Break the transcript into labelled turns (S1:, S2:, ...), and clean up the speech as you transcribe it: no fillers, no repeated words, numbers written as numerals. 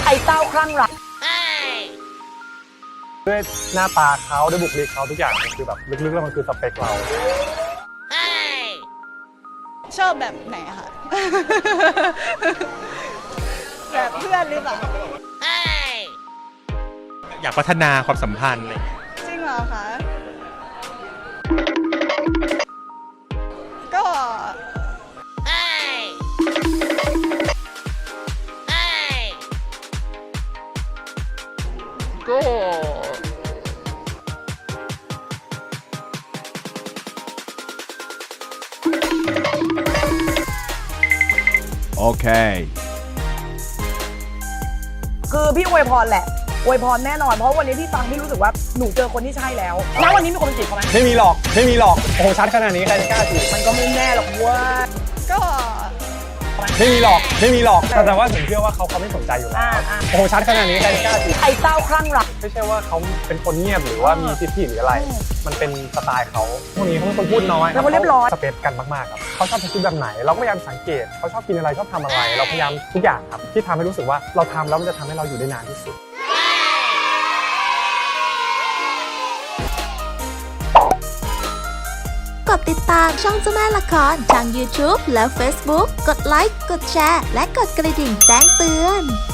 S1: ไอ้เต้าคลั่งรัก
S2: ด้วยหน้าตาเขาด้วยบุคลิกเขาทุกอย่างมันคือแบบลึกๆแล้วมันคือสเปคเรา
S3: ชอบแบบไหนอะคะแบบเพื่อนหรือเปล่า
S4: อยากพัฒนาความสัมพันธ์อะไร
S3: จริงเหรอคะก็
S5: โอเค
S1: คือพี่อวยพรแหละอวยพรแน่นอนเพราะวันนี้พี่ฟังพี่รู้สึกว่าหนูเจอคนที่ใช่แล้วแล้ววันนี้มีคนจีบเขาไหม
S2: ไม่มีหรอกไม่มีหรอกโอ้โหชัดขนาดนี้ใครจะกล้าจีบ
S1: มันก็ไม่แน่หรอกเว่า
S3: ก็
S2: ไม่มีหรอกไม่มีหรอกแต่ว่าผมเชื่อว่าเขาไม่สนใจอยู่แล้วโอ้โหชัดขนาดนี้ใครจะกล้าจีบ
S1: ไอ้เต้าคลั่งรัก
S2: ไม่ใช่ว่าเขาเป็นคนเงียบหรือว่ามีทิฐิหรืออะไรมันเป็นสไตล์เขาพวกนี้เขาเป็นคนพูดน้อย
S1: แล้วเขาเรียบร้อย
S2: สเปซกันมากๆครับเขาชอบคิดแบบไหนเราก็พยายามสังเกตเขาชอบกินอะไรชอบทำอะไรเราพยายามทุกอย่างครับที่ทำให้รู้สึกว่าเราทำแล้วมันจะทำให้เราอยู่ได้นานที่สุด
S6: กดติดตามช่องเจ้าแม่ละครทาง YouTube และ Facebook กดไลค์ กดแชร์ และกดกระดิ่งแจ้งเตือน